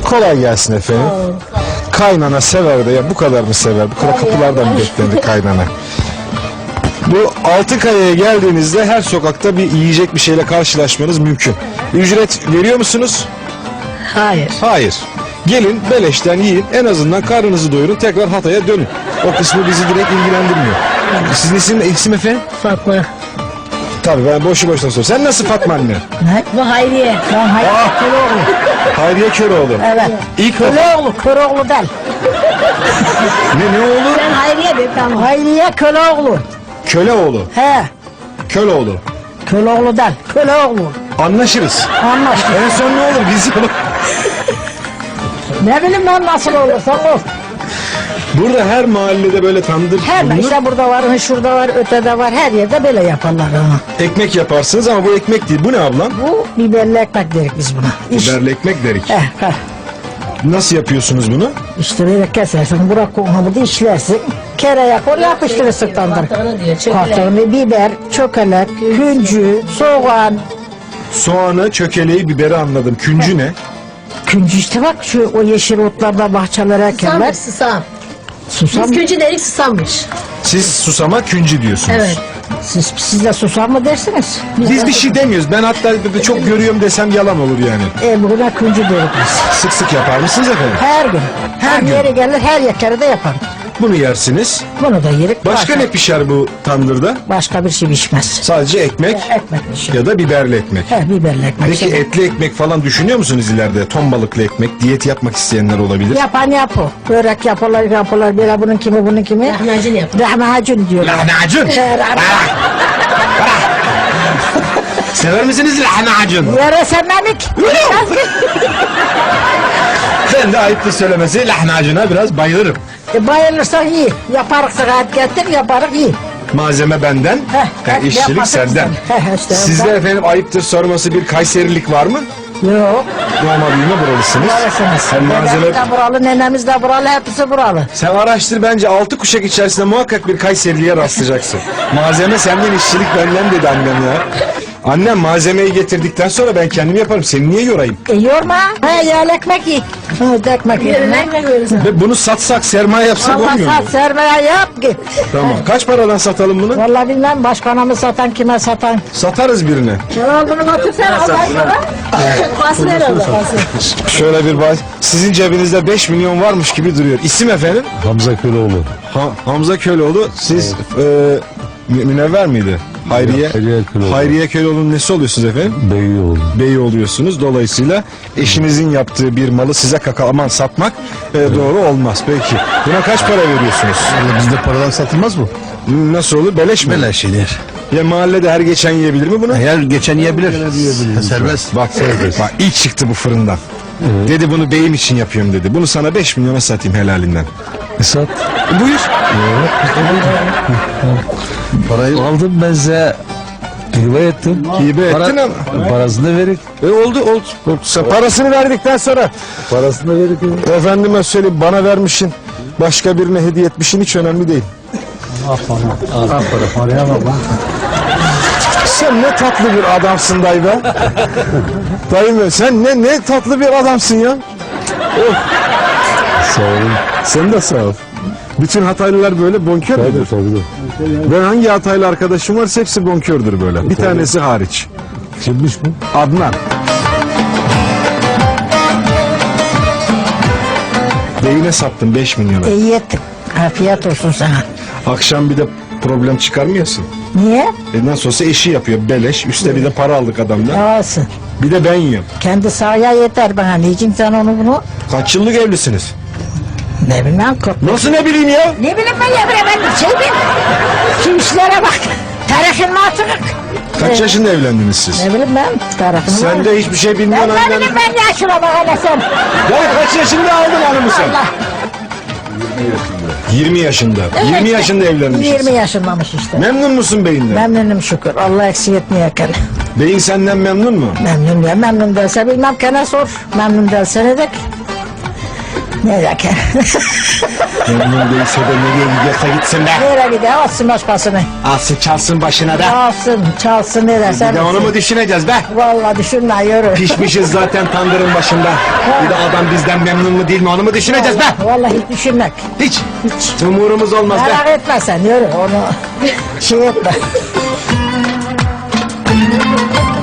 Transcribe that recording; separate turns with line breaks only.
Kolay gelsin efendim. Kaynana sever de ya bu kadar mı sever? Bu kadar kapılardan mı beklendi kaynana? Bu Altınkaya'ya geldiğinizde her sokakta bir yiyecek bir şeyle karşılaşmanız mümkün. Ücret veriyor musunuz?
Hayır.
Hayır. Gelin beleşten yiyin, en azından karnınızı doyurun, tekrar Hatay'a dönün. O kısmı bizi direkt ilgilendirmiyor. Sizin isim efendim?
Fatma.
Tabii ben boşu boşuna soruyorum. Sen nasıl Fatma anne?
Ne? Bu Hayriye. Ben Hayriye Köroğlu.
Hayriye Köroğlu.
Evet.
İlk
Köroğlu. Köroğlu del.
ne oğlu?
Ben Hayriye de tamam. Hayriye Köroğlu.
Köleoğlu.
He.
Köloğlu.
Köroğlu del. Köroğlu.
Anlaşırız.
Anlaştık.
En son ne olur biz
Ne bileyim ben nasıl olursa ol.
Burada her mahallede böyle tandır
Her
bulunur.
işte burada var, şurada var, ötede var. Her yerde böyle yaparlar onu.
Ekmek yaparsınız ama bu ekmek değil. Bu ne ablam?
Bu biberli ekmek dedik biz buna.
Biberli ekmek derik.
He.
Nasıl yapıyorsunuz bunu?
İşte böyle kesersin, bırak onu da işlersin. Kereye koy yapıştırırsın tandır. Kartonu, biber, çökelek, küncü, soğan.
Soğanı, çökeleği, biberi anladım. Küncü ne?
Küncü işte bak şu o yeşil otlarda bahçelere ekerler.
Susammış, susam.
Susam.
Biz küncü dedik, susammış.
Siz susama küncü diyorsunuz.
Evet.
Siz de susam mı dersiniz?
Biz bir şey demiyoruz. Ben hatta çok görüyorum desem yalan olur yani.
Buna küncü deriz biz.
Sık sık yapar mısınız efendim?
Her gün. Her
gün.
yere gelir, her yere de yaparım.
Bunu yersiniz.
Bunu da yerik.
Başka ne pişer bu tandırda?
Başka bir şey pişmez.
Sadece ekmek
Ekmek pişir.
ya da biberli ekmek.
He, biberli ekmek.
Peki etli ekmek falan düşünüyor musunuz ileride? Ton balıklı ekmek, diyet yapmak isteyenler olabilir.
Yapan yapı. Börek yapıyorlar. Böyle bunun kimi.
Lahmacun yapın.
Lahmacun diyorlar.
Lahmacun. Sever misiniz lahmacun?
Yarasa memik.
Ben de ayıptır söylemesi lahmacuna biraz bayılırım.
Bayılırsan iyi. Yaparız rahat getir, yaparız iyi.
Malzeme benden, işçilik
yapmasın
senden.
sen. İşte
Sizde efendim ayıptır sorması bir Kayserilik var mı?
Yok.
Doğma büyüme buralısınız.
Buralısınız.
Sen malzeme...
Dedemiz de buralı, nenemiz de buralı, hepsi buralı.
Sen araştır bence 6 kuşak içerisinde muhakkak bir Kayseriliğe rastlayacaksın. Malzeme senden, işçilik benden dedi annem ya. Annem malzemeyi getirdikten sonra ben kendim yaparım. Seni niye yorayım?
Yorma. Yağlı ekmek ye. Ekmek ye.
Yerine ekmek verirsin.
Ve bunu satsak, sermaye yapsak
Allah
olmuyor mu?
sat, sermaye yap git.
Tamam. Kaç paradan satalım bunu?
Vallahi bilmem başkana mı satan, kime satan.
Satarız birine.
Ya bunu götürsen Allah'ına.
Basın herhalde. Basın.
Şöyle bir bak. Sizin cebinizde 5 milyon varmış gibi duruyor. İsim efendim?
Hamza Köroğlu.
Hamza Köloğlu. Siz Münevver miydi? Hayriye.
Hayriye Köroğlu.
Hayriye Köloğlu'nun nesi oluyorsunuz efendim?
Beyoğlu.
Bey oluyorsunuz. Dolayısıyla eşinizin yaptığı bir malı size kakalaman satmak doğru olmaz. Peki. Buna kaç para veriyorsunuz?
Bizde paradan satılmaz mı?
Nasıl olur? Beleş mi?
Beleş yenir.
Ya mahallede her geçen yiyebilir mi bunu?
Eğer geçen yiyebilir. Serbest.
Bak, bak ilk çıktı bu fırından. Dedi bunu beyim için yapıyorum dedi. Bunu sana 5 milyona satayım helalinden.
Sat.
Buyur.
Parayı aldım ben size. Hibe ettim.
Hibe ettin ama.
Parasını verin.
Oldu. Sen parasını verdikten sonra
Parasını verin.
efendime söyleyeyim bana vermişsin. Başka birine hediye etmişsin hiç önemli değil.
Paraya bak lan.
Sen ne tatlı bir adamsın dayı be. Dayı be sen ne tatlı bir adamsın ya. Oh.
Sağ olun.
Sen de sağ ol. Bütün Hataylılar böyle bonkör müdür?
Tabii.
Ben hangi Hataylı arkadaşım varsa hepsi bonkördür böyle. Bir tanesi hariç.
Kimmiş bu?
Adnan. Beyine sattın 5 milyona.
İyi ettin. Afiyet olsun sana.
Akşam bir de problem çıkarmıyorsun.
Niye?
Nasıl olsa eşi yapıyor beleş. Üste bir de para aldık adamdan.
Olsun.
Bir de ben yiyorum.
Kendi sahaya yeter bana. Niçin sen onu bunu?
Kaç yıllık evlisiniz?
Ne bilmem.
Nasıl ne bileyim ya?
Ne bileyim ben şey bileyim. Şu işlere bak. Tarihin matırık.
Kaç yaşında evlendiniz siz?
Ne bileyim ben. Tarafını
Sen de hiçbir şey bilmiyorsun
ne
annen.
bileyim ben yaşına bak hele sen.
Ya kaç yaşında aldın hanımı sen?
Allah.
20 yaşında. 20 yaşında evlenmişsiniz.
20 yaşındamış işte.
Memnun musun beyinden?
Memnunum şükür. Allah eksik etmiyor kene.
Beyin senden memnun mu?
Memnun ya. Memnun değilse bilmem kene sor. Memnun değilse ne dek. Ne yakar?
Memnun değilse de nereye gidiyorsa gitsin be.
Nereye gidiyor? Alsın başkasını.
Alsın çalsın başına da.
Alsın, çalsın ne
Bir
dersen.
de onu mu düşüneceğiz be?
Vallahi düşünme yürü.
Pişmişiz zaten tandırın başında. Bir de adam bizden memnun mu değil mi onu mu düşüneceğiz be?
Vallahi hiç düşünmek.
Hiç.
Hiç.
Umurumuz olmaz be.
Merak etme sen yürü onu şey etme.